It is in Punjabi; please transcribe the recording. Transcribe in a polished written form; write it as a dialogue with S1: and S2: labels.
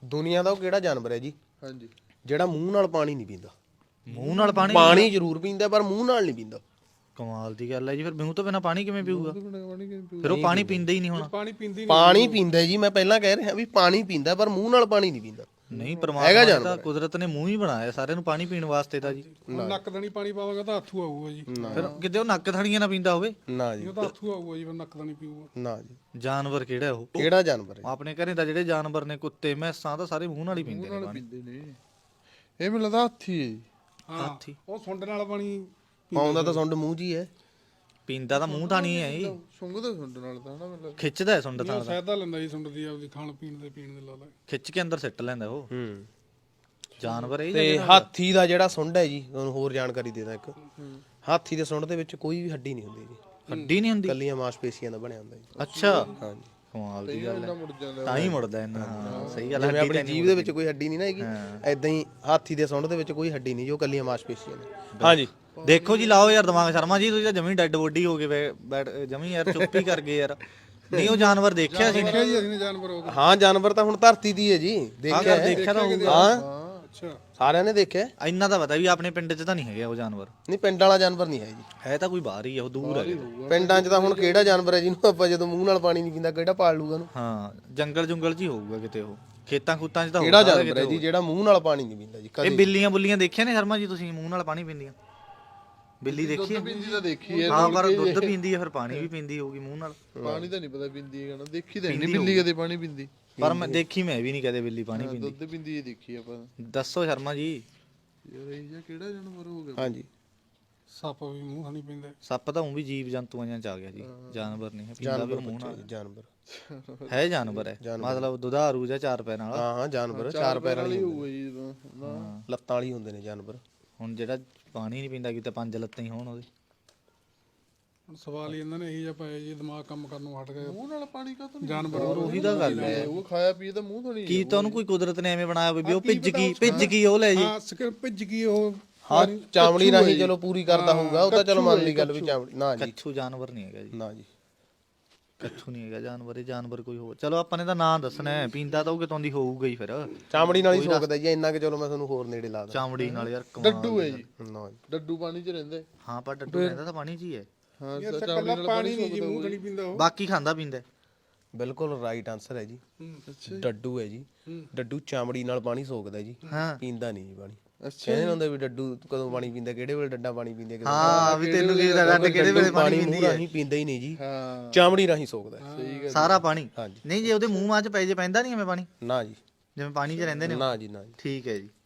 S1: ਦੁਨੀਆ ਦਾ ਉਹ ਕਿਹੜਾ ਜਾਨਵਰ ਹੈ ਜੀ
S2: ਹਾਂਜੀ
S1: ਜਿਹੜਾ ਮੂੰਹ ਨਾਲ ਪਾਣੀ ਨਹੀਂ ਪੀਂਦਾ?
S3: ਮੂੰਹ ਨਾਲ ਪਾਣੀ
S1: ਪਾਣੀ ਜ਼ਰੂਰ ਪੀਂਦਾ ਪਰ ਮੂੰਹ ਨਾਲ ਨਹੀਂ ਪੀਂਦਾ।
S3: ਕਮਾਲ ਦੀ ਗੱਲ ਹੈ ਜੀ। ਫਿਰ ਮੂੰਹ ਤੋਂ ਬਿਨਾ ਪਾਣੀ ਕਿਵੇਂ ਪੀਊਗਾ?
S2: ਪਾਣੀ ਕਿਵੇਂ ਪੀਊ?
S3: ਫਿਰ ਉਹ ਪਾਣੀ ਪੀਂਦਾ ਹੀ ਨਹੀਂ ਹੋਣਾ।
S2: ਪਾਣੀ ਪੀਂਦੀ
S1: ਪਾਣੀ ਪੀਂਦਾ ਜੀ, ਮੈਂ ਪਹਿਲਾਂ ਕਹਿ ਰਿਹਾ ਵੀ ਪਾਣੀ ਪੀਂਦਾ ਪਰ ਮੂੰਹ ਨਾਲ ਪਾਣੀ ਨਹੀਂ ਪੀਂਦਾ।
S3: ਨਹੀਂ, ਪਰਮਾਤਮਾ ਨੇ ਤਾਂ ਕੁਦਰਤ ਨੇ ਮੂੰਹ ਹੀ ਬਣਾਇਆ ਸਾਰਿਆਂ ਨੂੰ ਪਾਣੀ ਪੀਣ ਵਾਸਤੇ ਤਾਂ ਜੀ।
S2: ਨੱਕ ਦਣੀ ਪਾਣੀ ਪਾਵਾਂਗਾ ਤਾਂ ਹੱਥੂ ਆਊਗਾ ਜੀ।
S3: ਫਿਰ ਕਿਤੇ ਉਹ ਨੱਕ ਥਣੀਆਂ ਨਾ ਪੀਂਦਾ ਹੋਵੇ?
S1: ਨਾ ਜੀ,
S2: ਉਹ ਤਾਂ ਹੱਥੂ ਆਊਗਾ ਜੀ, ਫਿਰ ਨੱਕ ਦਣੀ ਪੀਊਗਾ।
S1: ਨਾ ਜੀ।
S3: ਜਾਨਵਰ ਕਿਹੜਾ ਉਹ?
S1: ਕਿਹੜਾ ਜਾਨਵਰ ਹੈ?
S3: ਆਪਣੇ ਘਰੇ ਦਾ ਜਿਹੜੇ ਜਾਨਵਰ ਨੇ, ਕੁੱਤੇ ਮੈਸਾਂ, ਤਾਂ ਸਾਰੇ ਮੂੰਹ ਨਾਲ ਹੀ ਪੀਂਦੇ ਨੇ ਪਾਣੀ।
S2: ਇਹ ਮੈਨੂੰ ਲੱਗਦਾ ਹਾਥੀ ਹੈ ਜੀ।
S3: ਹਾਥੀ
S2: ਉਹ ਸੁੰਡ ਨਾਲ ਪਾਣੀ
S1: ਪਾਉਂਦਾ ਤਾਂ ਸੁੰਡ ਮੂੰਹ 'ਚ ਹੀ ਹੈ।
S3: ਪੀਂਦਾ ਤਾਂ ਮੂੰਹ ਥਾਣੀ ਹੈ ਜੀ।
S2: ਸੁੰਗਦਾ ਸੁੰਡ ਨਾਲ ਤਾਂ ਨਾ ਮਤਲਬ
S3: ਖਿੱਚਦਾ ਹੈ ਸੁੰਡ ਥਾਣ ਦਾ।
S2: ਸਹਾਇਤਾ ਲੈਂਦਾ ਜੀ ਸੁੰਡ ਦੀ, ਆਪਦੀ ਖਾਣ ਪੀਣ ਦੇ ਲਾ ਲਾ
S3: ਖਿੱਚ ਕੇ ਅੰਦਰ ਸਿੱਟ ਲੈਂਦਾ ਉਹ। ਜਾਨਵਰ ਹੈ
S1: ਤੇ ਹਾਥੀ ਦਾ ਜਿਹੜਾ ਸੁੰਡ ਹੈ ਜੀ, ਤੁਹਾਨੂੰ ਹੋਰ ਜਾਣਕਾਰੀ ਦੇ ਦਾਂ ਇੱਕ। ਹਾਥੀ ਦੇ ਸੁੰਡ ਦੇ ਵਿੱਚ ਕੋਈ ਵੀ ਹੱਡੀ ਨਹੀਂ ਹੁੰਦੀ ਜੀ,
S3: ਹੱਡੀ ਨਹੀਂ ਹੁੰਦੀ,
S1: ਕੱਲੀਆਂ ਮਾਸਪੇਸ਼ੀਆਂ ਦਾ ਬਣਿਆ ਹੁੰਦਾ ਜੀ।
S3: ਅੱਛਾ,
S1: ਹਾਂਜੀ,
S3: ਕਮਾਲ ਦੀ ਗੱਲ ਹੈ।
S2: ਮੁੜ ਜਾਂਦਾ
S3: ਤਾਂ ਹੀ ਮੁੜਦਾ ਇਹਨਾਂ। ਹਾਂ ਸਹੀ ਗੱਲ ਹੈ।
S1: ਜਿਵੇਂ ਆਪਣੀ ਜੀਭ ਦੇ ਵਿੱਚ ਕੋਈ ਹੱਡੀ ਨਹੀਂ ਨਾ ਹੈਗੀ, ਐਦਾਂ ਹੀ ਹਾਥੀ ਦੇ ਸੁੰਡ ਦੇ ਵਿੱਚ ਕੋਈ ਹੱਡੀ ਨਹੀਂ, ਜੋ ਕੱਲੀਆਂ ਮਾਸਪੇਸ਼ੀਆਂ ਨੇ। ਹਾਂਜੀ,
S3: ਦੇਖੋ ਜੀ, ਲਾਓ ਯਾਰ ਦਿਮਾਗ ਸ਼ਰਮਾ ਜੀ, ਤੁਸੀਂ ਤਾਂ ਜਮੀ ਡੈਡ ਬੋਡੀ ਹੋ ਗਏ ਬੈਠ ਜਮੀ ਯਾਰ, ਚੁੱਪ ਹੀ ਕਰ ਗਏ ਯਾਰ। ਨਹੀਂ ਉਹ ਜਾਨਵਰ ਦੇਖਿਆ ਸੀ?
S2: ਦੇਖਿਆ ਜੀ ਅਸੀਂ ਜਾਨਵਰ ਹੋ ਗਏ।
S1: ਹਾਂ ਜਾਨਵਰ ਤਾਂ ਹੁਣ ਧਰਤੀ ਦੀ ਹੈ ਜੀ, ਦੇਖਿਆ ਹੈ।
S3: ਦੇਖਿਆ ਤਾਂ ਹੋਊਗਾ।
S1: ਹਾਂ
S2: ਅੱਛਾ,
S1: ਸਾਰਿਆਂ ਨੇ ਦੇਖਿਆ।
S3: ਇੰਨਾ ਤਾਂ ਪਤਾ ਵੀ ਆਪਣੇ ਪਿੰਡ 'ਚ ਤਾਂ ਨਹੀਂ ਹੈਗਾ ਉਹ ਜਾਨਵਰ।
S1: ਨਹੀਂ, ਪਿੰਡ ਵਾਲਾ ਜਾਨਵਰ ਨਹੀਂ ਹੈ ਜੀ,
S3: ਹੈ ਤਾਂ ਕੋਈ ਬਾਹਰ ਹੀ ਆ, ਉਹ ਦੂਰ ਹੈ।
S1: ਪਿੰਡਾਂ 'ਚ ਤਾਂ ਹੁਣ ਕਿਹੜਾ ਜਾਨਵਰ ਹੈ ਜਿਹਨੂੰ ਆਪਾਂ ਜਦੋਂ ਮੂੰਹ ਨਾਲ ਪਾਣੀ ਨਹੀਂ ਪੀਂਦਾ ਕਿਹੜਾ ਪਾਲ ਲੂਗਾ ਉਹਨੂੰ?
S3: ਹਾਂ, ਜੰਗਲ ਜੁੰਗਲ 'ਚ ਹੀ ਹੋਊਗਾ ਕਿਤੇ ਉਹ, ਖੇਤਾਂ ਖੂਤਾਂ 'ਚ ਤਾਂ
S1: ਕਿਹੜਾ
S3: ਹੋਊਗਾ।
S1: ਜਾਨਵਰ ਹੈ ਜੀ ਜਿਹੜਾ ਮੂੰਹ ਨਾਲ ਪਾਣੀ ਨਹੀਂ ਪੀਂਦਾ ਜੀ?
S3: ਇਹ ਬਿੱਲੀਆਂ ਬੁੱਲੀਆਂ ਦੇਖਿਆ ਨੇ ਸ਼ਰਮਾ ਜੀ ਤੁਸੀਂ, ਮੂੰਹ ਨਾਲ ਪਾਣੀ ਪੀਂਦੀਆਂ? ਬਿੱਲੀ ਦੇਖੀ ਹੈ?
S2: ਪੀਂਦੀ ਤਾਂ ਦੇਖੀ ਹੈ।
S3: ਹਾਂ, ਪਰ ਦੁੱਧ ਪੀਂਦੀ ਹੈ, ਫਿਰ ਪਾਣੀ ਵੀ ਪੀਂਦੀ ਹੋਊਗੀ ਮੂੰਹ ਨਾਲ।
S2: ਪਾਣੀ ਤਾਂ ਨਹੀਂ ਪਤਾ ਪੀਂਦੀ ਹੈ ਨਾ, ਦੇਖੀ ਤਾਂ ਨਹੀਂ ਬਿੱਲੀ ਕਦੇ ਪਾਣੀ ਪੀਂਦੀ।
S3: ਪਰ ਮੈਂ ਦੇਖੀ ਮੈਂ ਵੀ ਨਹੀਂ ਕਦੇ ਬਿੱਲੀ ਪਾਣੀ ਪੀਂਦੀ।
S2: ਦੁੱਧ ਪੀਂਦੀ ਹੈ ਦੇਖੀ ਆਪਾਂ।
S3: ਦੱਸੋ ਸ਼ਰਮਾ ਜੀ।
S2: ਯਾਰ ਇਹ ਜਿਹਾ ਕਿਹੜਾ ਜਾਨਵਰ ਹੋ ਗਿਆ?
S1: ਹਾਂਜੀ,
S2: ਸੱਪ ਵੀ ਮੂੰਹ ਨਹੀਂ ਪੀਂਦਾ।
S3: ਸੱਪ ਤਾਂ ਉਹ ਵੀ ਜੀਵ ਜੰਤੂਆਂ ਜਾਂ ਚ ਆ ਗਿਆ ਜੀ, ਜਾਨਵਰ ਨਹੀਂ ਹੈ। ਪੀਂਦਾ ਵੀ ਉਹ ਮੂੰਹ ਨਾਲ
S1: ਜਾਨਵਰ
S3: ਹੈ, ਜਾਨਵਰ ਹੈ ਮਤਲਬ ਦੁਧਾਰੂ ਜਾਂ ਚਾਰ ਪੈਰਾਂ ਵਾਲਾ।
S1: ਹਾਂ ਜਾਨਵਰ ਚਾਰ ਪੈਰਾਂ ਵਾਲੀ
S2: ਹੋਊਗਾ ਜੀ,
S1: ਲੱਤਾਂ ਵਾਲੀ ਹੁੰਦੇ ਨੇ ਜਾਨਵਰ।
S3: ਹੁਣ ਜਿਹੜਾ ਪਾਣੀ ਨਹੀਂ ਪੀਂਦਾ, ਕਿਤੇ ਪੰਜ ਲੱਤਾਂ ਹੀ ਹੋਣ ਉਹਦੇ।
S2: ਹੁਣ ਸਵਾਲ ਹੀ ਇਹਨਾਂ ਨੇ ਇਹੀ ਜਿਹਾ ਪਾਇਆ ਜੀ, ਦਿਮਾਗ ਕੰਮ ਕਰਨੋਂ ਹਟ ਗਿਆ। ਮੂੰਹ ਨਾਲ ਪਾਣੀ ਕਾਹਤੋਂ
S3: ਜਾਨਵਰ ਉਹੀ ਤਾਂ ਗੱਲ ਹੈ।
S2: ਉਹ ਖਾਇਆ ਪੀਏ ਤਾਂ ਮੂੰਹ ਤੋਂ ਨਹੀਂ।
S3: ਕੀ ਤਾਂ ਉਹਨੂੰ ਕੋਈ ਕੁਦਰਤ ਨੇ ਐਵੇਂ ਬਣਾਇਆ ਵੀ ਉਹ ਭਿੱਜ ਗਈ ਉਹ ਲੈ ਜੀ।
S2: ਹਾਂ, ਸਕਿਰ ਭਿੱਜ ਗਈ ਉਹ।
S1: ਹਾਂ, ਚਾਮੜੀ ਰਾਹੀਂ ਚਲੋ ਪੂਰੀ ਕਰਦਾ ਹੋਊਗਾ, ਉਹ ਤਾਂ ਚਲੋ ਮੰਨ ਲਈ ਗੱਲ ਵੀ ਚਾਮੜੀ। ਨਾ ਜੀ,
S3: ਕੱਛੂ ਜਾਨਵਰ ਨਹੀਂ ਹੈਗਾ ਜੀ।
S1: ਨਾ ਜੀ,
S3: ਕੱਛੂ ਨਹੀਂ ਹੈਗਾ ਜਾਨਵਰ। ਇਹ ਜਾਨਵਰ ਕੋਈ ਹੋਰ। ਚਲੋ ਆਪਾਂ ਨੇ ਤਾਂ ਨਾਂ ਦੱਸਣਾ ਹੈ, ਪੀਂਦਾ ਤਾਂ ਉਹ ਕਿਤੋਂ ਦੀ ਹੋਊਗਾ ਹੀ ਫਿਰ।
S1: ਚਾਮੜੀ ਨਾਲ ਹੀ ਸੋਕਦਾ ਜੀ, ਇੰਨਾ ਕਿ ਚਲੋ ਮੈਂ ਤੁਹਾਨੂੰ ਹੋਰ ਨੇੜੇ ਲਾ ਦਾਂ।
S3: ਚਾਮੜੀ ਨਾਲ ਯਾਰ ਕਮਾਲ।
S2: ਡੱਡੂ ਹੈ ਜੀ,
S1: ਨਾ ਜੀ,
S2: ਡੱਡੂ ਪਾਣੀ 'ਚ ਰਹਿੰਦਾ।
S3: ਹਾਂ, ਪਰ ਡੱਡੂ ਰਹਿੰਦਾ ਤਾਂ ਪਾਣੀ 'ਚ ਹੀ ਹੈ।
S2: ਹਾਂ, ਚਾਮੜੀ ਨਾਲ ਪਾਣੀ ਨਹੀਂ ਜੀ, ਮੂੰਹ ਤੋਂ ਨਹੀਂ ਪੀਂਦਾ ਉਹ।
S3: ਬਾਕੀ ਖਾਂਦਾ ਪੀਂਦਾ।
S1: ਬਿਲਕੁਲ ਰਾਈਟ ਆਨਸਰ ਹੈ ਜੀ।
S2: ਅੱਛਾ,
S1: ਡੱਡੂ ਹੈ ਜੀ, ਡੱਡੂ ਚਾਮੜੀ ਨਾਲ ਪਾਣੀ ਸੋਕਦਾ ਜੀ,
S3: ਹਾਂ,
S1: ਪੀਂਦਾ ਨਹੀਂ ਜੀ ਪਾਣੀ।
S2: ਅੱਛਾ
S1: ਕਹਿੰਦੇ ਹੁੰਦੇ ਵੀ ਡੱਡੂ ਕਦੋਂ ਪਾਣੀ ਪੀਂਦਾ, ਕਿਹੜੇ ਵੇਲੇ ਡੱਡਾ ਪਾਣੀ ਪੀਂਦੇ?
S3: ਹਾਂ, ਵੀ ਤੈਨੂੰ ਕੀ ਪਤਾ ਡੱਡ ਕਿਹੜੇ ਵੇਲੇ ਪਾਣੀ
S1: ਮੂੰਹ ਰਾਹੀਂ ਪੀਂਦਾ ਹੀ ਨਹੀਂ ਜੀ,
S2: ਹਾਂ,
S1: ਚਾਮੜੀ ਰਾਹੀਂ ਸੋਕਦਾ।
S2: ਸਹੀ ਗੱਲ।
S3: ਸਾਰਾ ਪਾਣੀ?
S1: ਹਾਂਜੀ।
S3: ਨਹੀਂ, ਜੇ ਉਹਦੇ ਮੂੰਹ ਮਾਂ 'ਚ ਪੈ ਜੇ ਪੈਂਦਾ ਨਹੀਂ ਐਵੇਂ ਪਾਣੀ,
S1: ਨਾ ਜੀ,
S3: ਜਿਵੇਂ ਪਾਣੀ 'ਚ ਰਹਿੰਦੇ ਨੇ?
S1: ਨਾ ਜੀ, ਨਾ ਜੀ।
S3: ਠੀਕ ਹੈ ਜੀ।